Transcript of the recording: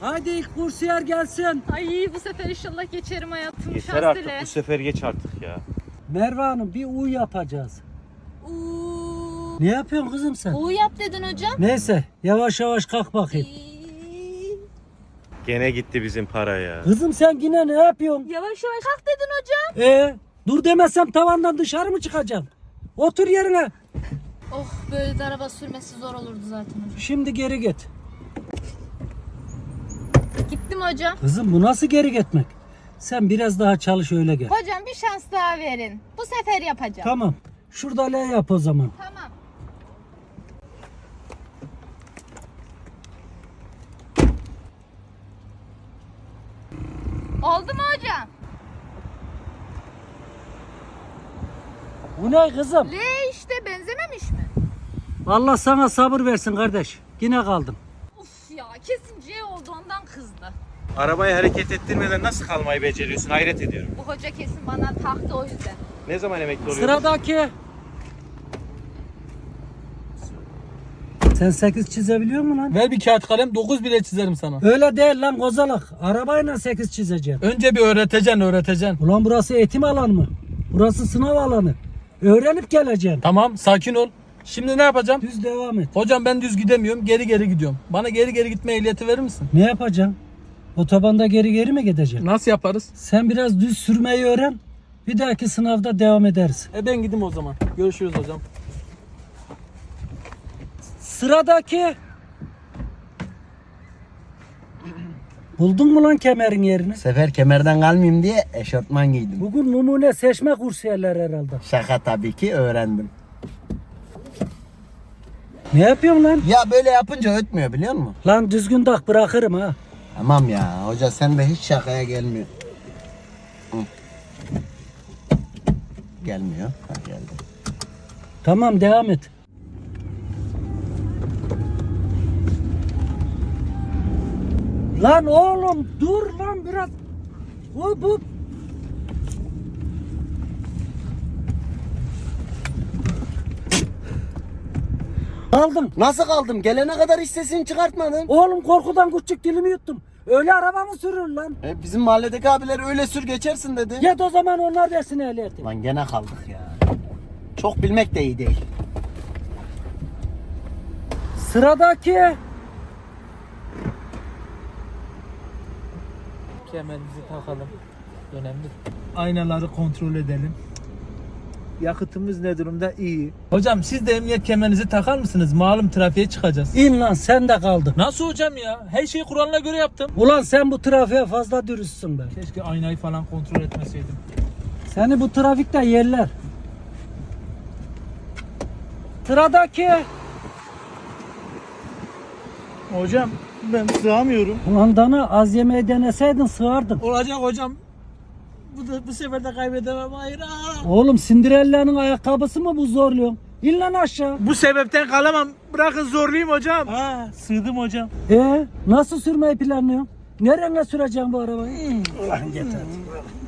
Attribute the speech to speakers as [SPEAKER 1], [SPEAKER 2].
[SPEAKER 1] Hadi ilk kursiyer gelsin.
[SPEAKER 2] Ay bu sefer inşallah geçerim hayatım.
[SPEAKER 3] Yeter
[SPEAKER 2] Şans
[SPEAKER 3] artık,
[SPEAKER 2] dile.
[SPEAKER 3] bu sefer geç artık ya.
[SPEAKER 1] Merve Hanım bir U yapacağız.
[SPEAKER 2] Uuu.
[SPEAKER 1] Ne yapıyorsun kızım sen?
[SPEAKER 2] U yap dedin hocam.
[SPEAKER 1] Neyse yavaş yavaş kalk bakayım.
[SPEAKER 3] Gene gitti bizim para ya.
[SPEAKER 1] Kızım sen yine ne yapıyorsun?
[SPEAKER 2] Yavaş yavaş kalk dedin hocam.
[SPEAKER 1] Dur demezsem tavandan dışarı mı çıkacağım? Otur yerine.
[SPEAKER 2] Oh böyle de araba sürmesi zor olurdu zaten hocam.
[SPEAKER 1] Şimdi geri git.
[SPEAKER 2] Gittim hocam.
[SPEAKER 1] Kızım bu nasıl geri gitmek? Sen biraz daha çalış öyle gel.
[SPEAKER 2] Hocam bir şans daha verin. Bu sefer yapacağım.
[SPEAKER 1] Tamam. Şurada L yap o zaman.
[SPEAKER 2] Tamam. Oldu mu hocam?
[SPEAKER 1] Bu ne kızım?
[SPEAKER 2] L işte benzememiş mi?
[SPEAKER 1] Allah sana sabır versin kardeş. Yine kaldım.
[SPEAKER 2] Uf ya kesin C oldu ondan kızdı.
[SPEAKER 3] Arabayı hareket ettirmeden nasıl kalmayı beceriyorsun? Hayret ediyorum.
[SPEAKER 2] Bu hoca kesin bana taktı o yüzden.
[SPEAKER 3] Ne zaman emekli oluyorsun?
[SPEAKER 1] Sıradaki. Sen 8 çizebiliyor musun lan?
[SPEAKER 4] Ver bir kağıt kalem 9 bile çizerim sana.
[SPEAKER 1] Öyle değil lan kozalak. Arabayla 8 çizeceğim.
[SPEAKER 4] Önce bir öğreteceksin.
[SPEAKER 1] Ulan burası eğitim alanı mı? Burası sınav alanı. Öğrenip geleceğim.
[SPEAKER 4] Tamam sakin ol. Şimdi ne yapacağım?
[SPEAKER 1] Düz devam et.
[SPEAKER 4] Hocam ben düz gidemiyorum, geri gidiyorum. Bana geri gitme ehliyeti verir misin?
[SPEAKER 1] Ne yapacağım? Otobanda geri mi gideceğim?
[SPEAKER 4] Nasıl yaparız?
[SPEAKER 1] Sen biraz düz sürmeyi öğren. Bir dahaki sınavda devam ederiz.
[SPEAKER 4] Ben gideyim o zaman. Görüşürüz hocam.
[SPEAKER 1] Sıradaki. Buldun mu lan kemerin yerini?
[SPEAKER 5] Sefer kemerden kalmayayım diye eşortman giydim.
[SPEAKER 1] Bugün numune seçme kursiyerler herhalde.
[SPEAKER 5] Şaka tabii ki öğrendim.
[SPEAKER 1] Ne yapıyorsun lan?
[SPEAKER 5] Ya böyle yapınca ötmüyor biliyor musun?
[SPEAKER 1] Lan düzgün tak bırakırım ha.
[SPEAKER 5] Tamam ya hoca sen de hiç şakaya gelmiyor. Hı. Gelmiyor. Ha geldi.
[SPEAKER 1] Tamam devam et. Lan oğlum dur lan biraz. Hop hop. Kaldım.
[SPEAKER 5] Nasıl kaldım? Gelene kadar hiç sesini çıkartmadın.
[SPEAKER 1] Oğlum korkudan küçük dilimi yuttum. Öyle araba mı sürür lan?
[SPEAKER 5] Bizim mahalledeki abiler öyle sür geçersin dedi.
[SPEAKER 1] Yet o zaman onlar versin ehliyeti.
[SPEAKER 5] Lan gene kaldık ya. Çok bilmek de iyi değil.
[SPEAKER 1] Sıradaki.
[SPEAKER 4] Kemerimizi takalım. Önemli. Aynaları kontrol edelim. Yakıtımız ne durumda? İyi. Hocam siz de emniyet kemerinizi takar mısınız? Malum trafiğe çıkacağız.
[SPEAKER 1] İn lan sen de kaldın.
[SPEAKER 4] Nasıl hocam ya? Her şeyi kuralına göre yaptım.
[SPEAKER 1] Ulan sen bu trafiğe fazla dürüstsün be.
[SPEAKER 4] Keşke aynayı falan kontrol etmeseydim.
[SPEAKER 1] Seni bu trafikte yerler. Sıradaki.
[SPEAKER 4] Hocam ben sığamıyorum.
[SPEAKER 1] Ulan dana az yemeği deneseydin sığardın.
[SPEAKER 4] Olacak hocam. Bu sefer de kaybedemem. Hayır.
[SPEAKER 1] Oğlum Cinderella'nın ayakkabısı mı bu zorluyor? İn lan aşağı.
[SPEAKER 4] Bu sebepten kalamam. Bırakın zorlayayım hocam. Sığdım hocam.
[SPEAKER 1] Nasıl sürmeyi planlıyorsun? Nereye süreceğim bu arabayı? Ulan yeter.